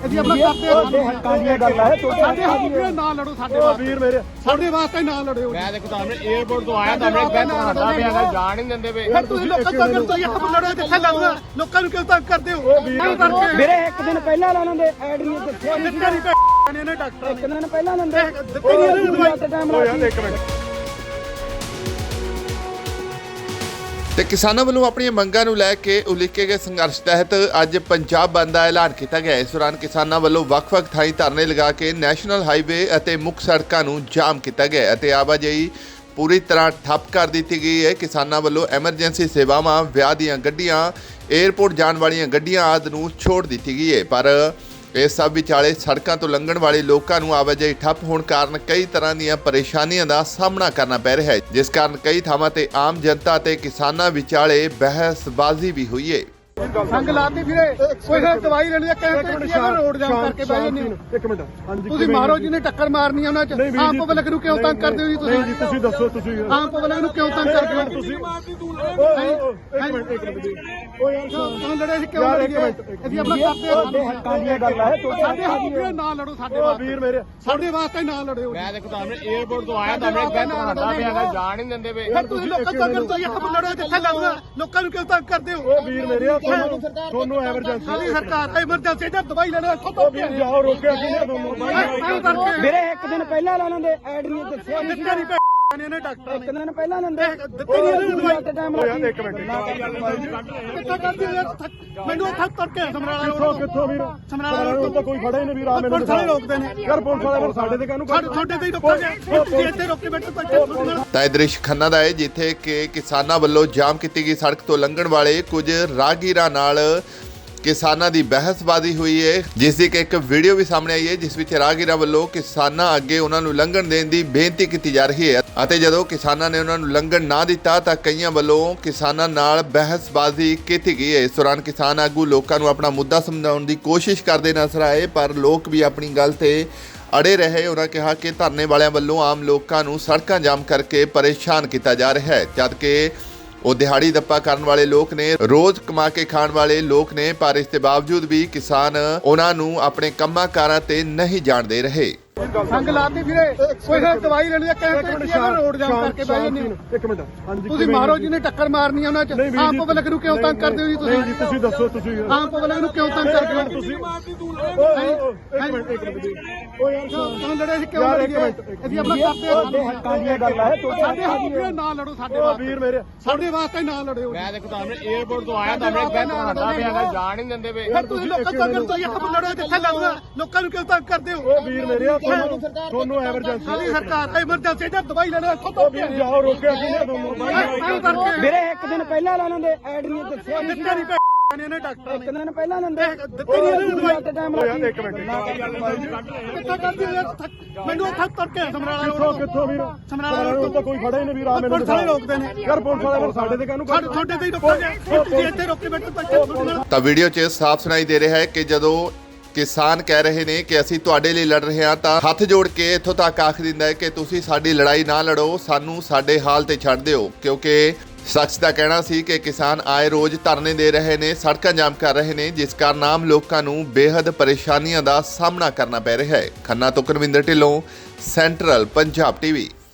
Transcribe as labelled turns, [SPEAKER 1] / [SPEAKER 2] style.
[SPEAKER 1] ਅਸੀਂ ਆਪਣਾ ਕਰਦੇ ਹਾਂ
[SPEAKER 2] ਹੱਕਾਂ ਦੀਆਂ ਗੱਲਾਂ ਹੈ
[SPEAKER 1] ਸਾਡੇ ਹੱਕ ਨਾ ਲੜੋ ਸਾਡੇ ਵਾਸਤੇ ਵੀਰ ਮੇਰੇ ਸਾਡੇ ਵਾਸਤੇ ਨਾ ਲੜਿਓ
[SPEAKER 3] ਮੈਂ ਦੇਖੋ ਤੁਹਾਨੂੰ 에어ਪੋਰਟ ਤੋਂ ਆਇਆ ਤੁਹਾਨੂੰ ਇੱਕ ਬੈਠ ਖਾਂਦਾ ਪਿਆ ਹੈਗਾ ਜਾਣ ਨਹੀਂ ਦਿੰਦੇ ਪਏ
[SPEAKER 1] ਫਿਰ ਤੁਸੀਂ ਲੋਕਾਂ ਤੋਂ ਕਰਦੇ ਇੱਕ ਲੜੋ ਜਿੱਥੇ ਲੜਨਾ ਲੋਕਾਂ ਨੂੰ ਕਿਉਂ ਤੰਗ ਕਰਦੇ ਹੋ
[SPEAKER 2] ਵੀਰੇ ਇੱਕ ਦਿਨ ਪਹਿਲਾਂ ਲਾਣਾ ਦੇ ਐਡ ਨਹੀਂ ਦਿੱਤੇ
[SPEAKER 1] ਦਿੱਤੇ ਨਹੀਂ ਨੇ ਡਾਕਟਰ
[SPEAKER 2] ਇੱਕ ਦਿਨ ਪਹਿਲਾਂ ਲੰਦੇ
[SPEAKER 1] ਦਿੱਤੇ ਨਹੀਂ ਦਵਾਈ
[SPEAKER 2] ਟਾਈਮ ਲਾ
[SPEAKER 1] ਇੱਕ ਮਿੰਟ
[SPEAKER 4] ਤੇ ਕਿਸਾਨਾਂ ਵੱਲੋਂ ਆਪਣੀਆਂ ਮੰਗਾਂ ਨੂੰ ਲੈ ਕੇ ਉਲੀਕੇ ਗਏ ਸੰਘਰਸ਼ ਤਹਿਤ ਅੱਜ ਪੰਜਾਬ ਬੰਦ ਦਾ ਐਲਾਨ ਕੀਤਾ ਗਿਆ। ਇਸ ਦੌਰਾਨ ਕਿਸਾਨਾਂ ਵੱਲੋਂ ਵੱਖ-ਵੱਖ ਥਾਈਂ ਧਰਨੇ ਲਗਾ ਕੇ ਨੈਸ਼ਨਲ ਹਾਈਵੇ ਅਤੇ ਮੁੱਖ ਸੜਕਾਂ ਨੂੰ ਜਾਮ ਕੀਤਾ ਗਿਆ ਅਤੇ ਆਵਾਜਾਈ ਪੂਰੀ ਤਰ੍ਹਾਂ ਠੱਪ ਕਰ ਦਿੱਤੀ ਗਈ ਹੈ। ਕਿਸਾਨਾਂ ਵੱਲੋਂ ਐਮਰਜੈਂਸੀ ਸੇਵਾਵਾਂ, ਵਿਆਹ ਦੀਆਂ ਗੱਡੀਆਂ, 에ਅਰਪੋਰਟ ਜਾਣ ਵਾਲੀਆਂ ਗੱਡੀਆਂ ਆਦਿ ਨੂੰ ਛੋੜ ਦਿੱਤੀ ਗਈ ਹੈ। ਪਰ ਇਸ ਸਭ ਵਿਚਾਲੇ ਸੜਕਾਂ ਤੋਂ ਲੰਘਣ ਵਾਲੇ ਲੋਕਾਂ ਨੂੰ ਆਵਾਜਾਈ ਠੱਪ ਹੋਣ ਕਾਰਨ ਕਈ ਤਰ੍ਹਾਂ ਦੀਆਂ ਪਰੇਸ਼ਾਨੀਆਂ ਦਾ ਸਾਹਮਣਾ ਕਰਨਾ ਪੈ ਰਿਹਾ ਹੈ, ਜਿਸ ਕਾਰਨ ਕਈ ਥਾਵਾਂ ਤੇ ਆਮ ਜਨਤਾ ਤੇ ਕਿਸਾਨਾਂ ਵਿਚਾਲੇ ਬਹਿਸਬਾਜ਼ੀ ਵੀ ਹੋਈ ਹੈ।
[SPEAKER 1] ਸੰਗ ਲਾਤੀ ਫਿਰੇ ਕੋਈ ਦਵਾਈ ਲੈਣੀ ਹੈ ਕਹਿੰਦੇ ਰੋਡ ਜਾਮ ਕਰਕੇ ਬਹਿ ਜਾਂਦੇ ਹੋ
[SPEAKER 5] ਇੱਕ ਮਿੰਟ ਹਾਂਜੀ
[SPEAKER 1] ਤੁਸੀਂ ਮਾਰੋ ਜਿਹਨੇ ਟੱਕਰ ਮਾਰਨੀ ਹੈ ਉਹਨਾਂ ਚ ਆਮ ਪਬਲਿਕ ਨੂੰ ਕਿਉਂ ਤੰਗ ਕਰਦੇ ਹੋ ਜੀ
[SPEAKER 5] ਨਹੀਂ ਜੀ ਤੁਸੀਂ ਦੱਸੋ ਤੁਸੀਂ
[SPEAKER 1] ਆਮ ਪਬਲਿਕ ਨੂੰ ਕਿਉਂ ਤੰਗ ਕਰਦੇ ਹੋ
[SPEAKER 5] ਤੁਸੀਂ ਇੱਕ ਮਿੰਟ
[SPEAKER 1] ਓ ਯਾਰ ਤੁਹਾਨੂੰ ਲੜੇ ਸੀ ਕਿਉਂ ਲੜੀਏ ਅਸੀਂ ਆਪਣਾ ਕਰਦੇ ਹਾਂ
[SPEAKER 2] ਹੱਕਾਂ ਦੀਆਂ ਗੱਲਾਂ ਹੈ
[SPEAKER 1] ਸਾਡੇ ਹੱਕ ਨਾ ਲੜੋ ਸਾਡੇ ਵਾਸਤੇ
[SPEAKER 5] ਵੀਰ ਮੇਰੇ
[SPEAKER 1] ਸਾਡੇ ਵਾਸਤੇ ਨਾ ਲੜਿਓ
[SPEAKER 3] ਮੈਂ ਦੇਖੋ ਤੁਹਾਨੂੰ 에어ਪੋਰਟ ਤੋਂ ਆਇਆ ਤੁਹਾਨੂੰ ਇੱਕ ਬੈਠ ਖਾਂਦਾ ਪਿਆ ਹੈਗਾ ਜਾਣ ਨਹੀਂ ਦਿੰਦੇ ਪਏ
[SPEAKER 1] ਫਿਰ ਤੁਸੀਂ ਲੋਕਾਂ ਤੋਂ ਕਰਦੇ ਇੱਕ ਲੜੋ ਜਿੱਥੇ ਲੜਨਾ ਲੋਕਾਂ ਨੂੰ ਕਿਉਂ ਤੰਗ ਕਰਦੇ ਹੋ
[SPEAKER 5] ਵੀਰ ਮੇਰੇ ਤੁਹਾਨੂੰ ਐਮਰਜੈਂਸੀ
[SPEAKER 1] ਸਾਡੀ ਸਰਕਾਰ ਐਮਰਜੈਂਸੀ ਦਾ ਦਵਾਈ ਲੈਣਾ ਇੱਥੋਂ ਤੋਂ
[SPEAKER 5] ਜਾਓ ਰੋਕਿਆ ਕਿਹਨੇ ਤੁਹਾਨੂੰ
[SPEAKER 2] ਵੀਰੇ ਇੱਕ ਦਿਨ ਪਹਿਲਾਂ ਲਾਣਾ ਦੇ ਐਡ ਨਹੀਂ ਦਿੱਤੇ
[SPEAKER 1] ਦਿੱਤੇ ਨਹੀਂ ਨੇ ਡਾਕਟਰ
[SPEAKER 2] ਇੱਕ ਦਿਨ ਪਹਿਲਾਂ ਲੰਦੇ
[SPEAKER 1] ਦਿੱਤੇ ਨਹੀਂ ਦਵਾਈ
[SPEAKER 2] ਟਾਈਮ ਲਾ
[SPEAKER 5] ਇੱਕ ਮਿੰਟ
[SPEAKER 1] ਕਿੱਥੇ ਕਰਦੀ ਮੈਨੂੰ ਉੱਥੇ ਤੁਰ ਕੇ ਸਮਰਾਲਾ
[SPEAKER 5] ਕਿੱਥੋਂ ਵੀਰ
[SPEAKER 1] ਸਮਰਾਲਾ
[SPEAKER 5] ਰੋਡ ਤਾਂ ਕੋਈ ਫੜਾ ਹੀ ਨਹੀਂ ਵੀਰ ਆ ਮੈਨੂੰ
[SPEAKER 1] ਪੁਲਿਸ ਵਾਲੇ ਰੋਕਦੇ ਨੇ
[SPEAKER 5] ਯਾਰ ਪੁਲਿਸ ਵਾਲੇ ਸਾਡੇ ਤੇ ਕਾਹਨੂੰ
[SPEAKER 1] ਤੁਹਾਡੇ ਤੇ ਹੀ ਰੋਕਾਂਗੇ ਤੁਸੀਂ ਇੱਥੇ ਰੋਕ ਕੇ ਬੈਠੇ
[SPEAKER 4] ਤਾਂ ਇਹ ਦ੍ਰਿਸ਼ ਖੰਨਾ ਦਾ ਹੈ, ਜਿੱਥੇ ਕਿ ਕਿਸਾਨਾਂ ਵੱਲੋਂ ਜਾਮ ਕੀਤੀ ਗਈ ਸੜਕ ਤੋਂ ਲੰਘਣ ਵਾਲੇ ਕੁਝ ਰਾਹਗੀਰਾਂ ਨਾਲ ਕਿਸਾਨਾਂ ਦੀ ਬਹਿਸਬਾਜ਼ੀ ਹੋਈ ਹੈ, ਜਿਸ ਦੀ ਇੱਕ ਵੀਡੀਓ ਵੀ ਸਾਹਮਣੇ ਆਈ ਹੈ, ਜਿਸ ਵਿੱਚ ਰਾਹਗੀਰਾਂ ਵੱਲੋਂ ਕਿਸਾਨਾਂ ਅੱਗੇ ਉਹਨਾਂ ਨੂੰ ਲੰਘਣ ਦੇਣ ਦੀ ਬੇਨਤੀ ਕੀਤੀ ਜਾ ਰਹੀ ਹੈ ਅਤੇ ਜਦੋਂ ਕਿਸਾਨਾਂ ਨੇ ਉਹਨਾਂ ਨੂੰ ਲੰਘਣ ਨਾ ਦਿੱਤਾ ਤਾਂ ਕਈਆਂ ਵੱਲੋਂ ਕਿਸਾਨਾਂ ਨਾਲ ਬਹਿਸਬਾਜ਼ੀ ਕੀਤੀ ਗਈ ਹੈ। ਇਸ ਦੌਰਾਨ ਕਿਸਾਨ ਆਗੂ ਲੋਕਾਂ ਨੂੰ ਆਪਣਾ ਮੁੱਦਾ ਸਮਝਾਉਣ ਦੀ ਕੋਸ਼ਿਸ਼ ਕਰਦੇ ਨਜ਼ਰ ਆਏ, ਪਰ ਲੋਕ ਵੀ ਆਪਣੀ ਗੱਲ ਤੇ ਅੜੇ ਰਹੇ। ਉਹਨਾਂ ਕਿਹਾ ਕਿ ਧਰਨੇ ਵਾਲਿਆਂ ਵੱਲੋਂ ਆਮ ਲੋਕਾਂ ਨੂੰ ਸੜਕਾਂ ਜਾਮ ਕਰਕੇ ਪਰੇਸ਼ਾਨ ਕੀਤਾ ਜਾ ਰਿਹਾ ਹੈ, ਜਦ ਕਿ ਉਹ ਦਿਹਾੜੀ ਦੱਪਾ ਕਰਨ ਵਾਲੇ ਲੋਕ ਨੇ, ਰੋਜ਼ ਕਮਾ ਕੇ ਖਾਣ ਵਾਲੇ ਲੋਕ ਨੇ, ਪਰ ਇਸ ਦੇ ਬਾਵਜੂਦ ਵੀ ਕਿਸਾਨ ਉਹਨਾਂ ਨੂੰ ਆਪਣੇ ਕੰਮਾਂ ਕਾਰਾਂ ਤੇ ਨਹੀਂ ਜਾਣ ਦੇ ਰਹੇ।
[SPEAKER 1] ਸੰਗ ਲਾਤੀ ਫਿਰੇ ਕੋਈ ਦਵਾਈ ਲੈਣੀ ਹੈ ਕਹਿੰਦੇ ਰੋਡ ਜਾਮ ਕਰਕੇ ਬਹਿ ਜਾਂਦੇ ਹੋ
[SPEAKER 5] ਇੱਕ ਮਿੰਟ ਹਾਂਜੀ
[SPEAKER 1] ਤੁਸੀਂ ਮਾਰੋ ਜਿਹਨੇ ਟੱਕਰ ਮਾਰਨੀ ਹੈ ਉਹਨਾਂ ਚ ਆਮ ਪਬਲਿਕ ਨੂੰ ਕਿਉਂ ਤੰਗ ਕਰਦੇ ਹੋ ਜੀ
[SPEAKER 5] ਨਹੀਂ ਜੀ ਤੁਸੀਂ ਦੱਸੋ ਤੁਸੀਂ
[SPEAKER 1] ਆਮ ਪਬਲਿਕ ਨੂੰ ਕਿਉਂ ਤੰਗ ਕਰਦੇ ਹੋ
[SPEAKER 5] ਤੁਸੀਂ ਇੱਕ ਮਿੰਟ
[SPEAKER 1] ਓ ਯਾਰ ਤੁਹਾਨੂੰ ਲੜੇ ਸੀ ਕਿਉਂ ਲੜੀਏ ਅਸੀਂ ਆਪਣਾ ਕਰਦੇ ਹਾਂ
[SPEAKER 2] ਹੱਕਾਂ ਦੀਆਂ ਗੱਲਾਂ ਹੈ
[SPEAKER 1] ਸਾਡੇ ਹੱਕ ਨਾ ਲੜੋ ਸਾਡੇ ਵਾਸਤੇ
[SPEAKER 5] ਵੀਰ ਮੇਰੇ
[SPEAKER 1] ਸਾਡੇ ਵਾਸਤੇ ਨਾ ਲੜਿਓ
[SPEAKER 3] ਮੈਂ ਦੇਖੋ ਤੁਹਾਨੂੰ 에어ਪੋਰਟ ਤੋਂ ਆਇਆ ਤੁਹਾਨੂੰ ਇੱਕ ਬੈਠ ਖਾਂਦਾ ਪਿਆ ਹੈਗਾ ਜਾਣ ਨਹੀਂ ਦਿੰਦੇ ਪਏ
[SPEAKER 1] ਫਿਰ ਤੁਸੀਂ ਲੋਕਾਂ ਤੋਂ ਕਰਦੇ ਇੱਕ ਲੜੋ ਜਿੱਥੇ ਲੜਨਾ ਲੋਕਾਂ ਨੂੰ ਕਿਉਂ ਤੰਗ ਕਰਦੇ ਹੋ
[SPEAKER 5] ਵੀਰ ਮੇਰੇ ਤੁਹਾਨੂੰ ਐਮਰਜੈਂਸੀ
[SPEAKER 1] ਸਾਡੀ ਸਰਕਾਰ ਐਮਰਜੈਂਸੀ ਦਾ ਦਵਾਈ ਲੈਣਾ ਇੱਥੋਂ ਤੋਂ
[SPEAKER 5] ਜਾਓ ਰੋਕਿਆ ਕਿਹਨੇ ਤੁਹਾਨੂੰ
[SPEAKER 2] ਵੀਰੇ ਇੱਕ ਦਿਨ ਪਹਿਲਾਂ ਲਾਣਾ ਦੇ ਐਡ ਨਹੀਂ ਦਿੱਤੇ
[SPEAKER 1] ਦਿੱਤੇ ਨਹੀਂ ਨੇ ਡਾਕਟਰ
[SPEAKER 2] ਇੱਕ ਦਿਨ ਪਹਿਲਾਂ ਲੰਦੇ
[SPEAKER 1] ਦਿੱਤੇ ਨਹੀਂ ਦਵਾਈ
[SPEAKER 2] ਟਾਈਮ ਲਾ
[SPEAKER 5] ਇੱਕ ਮਿੰਟ
[SPEAKER 1] ਕਿੱਥੇ ਕਰਦੀ ਮੈਨੂੰ ਉੱਥੇ ਤੁਰ ਕੇ ਸਮਰਾਲਾ
[SPEAKER 5] ਕਿੱਥੋਂ ਵੀਰ
[SPEAKER 1] ਸਮਰਾਲਾ
[SPEAKER 5] ਰੋਡ ਤਾਂ ਕੋਈ ਫੜਾ ਹੀ ਨਹੀਂ ਵੀਰ ਆ ਮੈਨੂੰ
[SPEAKER 1] ਪੁਲਿਸ ਵਾਲੇ ਰੋਕਦੇ ਨੇ
[SPEAKER 5] ਯਾਰ ਪੁਲਿਸ ਵਾਲੇ ਸਾਡੇ ਤੇ ਕਾਹਨੂੰ
[SPEAKER 1] ਤੁਹਾਡੇ ਤੇ ਹੀ ਰੋਕਾਂਗੇ ਤੁਸੀਂ ਇੱਥੇ ਰੋਕ ਕੇ ਬੈਠੇ
[SPEAKER 4] ਤਾਂ ਵੀਡੀਓ 'ਚ ਸਾਫ਼ ਸੁਣਾਈ ਦੇ ਰਿਹਾ ਹੈ ਕਿ ਜਦੋਂ ਕਿਸਾਨ ਕਹਿ ਰਹੇ ਨੇ ਕਿ ਅਸੀਂ ਤੁਹਾਡੇ ਲਈ ਲੜ ਰਹੇ ਹਾਂ ਤਾਂ ਹੱਥ ਜੋੜ ਕੇ ਇੱਥੋਂ ਤੱਕ ਆਖ ਦਿੰਦਾ ਹੈ ਕਿ ਤੁਸੀਂ ਸਾਡੀ ਲੜਾਈ ਨਾ ਲੜੋ, ਸਾਨੂੰ ਸਾਡੇ ਹਾਲ ਤੇ ਛੱਡ ਦਿਓ, ਕਿਉਂਕਿ ਸ਼ਖਸ ਦਾ ਕਹਿਣਾ ਸੀ ਕਿ ਕਿਸਾਨ ਆਏ ਰੋਜ਼ ਧਰਨੇ ਦੇ ਰਹੇ ਨੇ, ਸੜਕਾਂ ਜਾਮ ਕਰ ਰਹੇ ਨੇ, ਜਿਸ ਕਾਰਨ ਆਮ ਲੋਕਾਂ ਨੂੰ ਬੇਹੱਦ ਪਰੇਸ਼ਾਨੀਆਂ ਦਾ ਸਾਹਮਣਾ ਕਰਨਾ ਪੈ ਰਿਹਾ ਹੈ। ਖੰਨਾ ਤੋਂ ਕੁਲਵਿੰਦਰ ਢਿੱਲੋਂ, ਸੈਂਟਰਲ ਪੰਜਾਬ ਟੀਵੀ।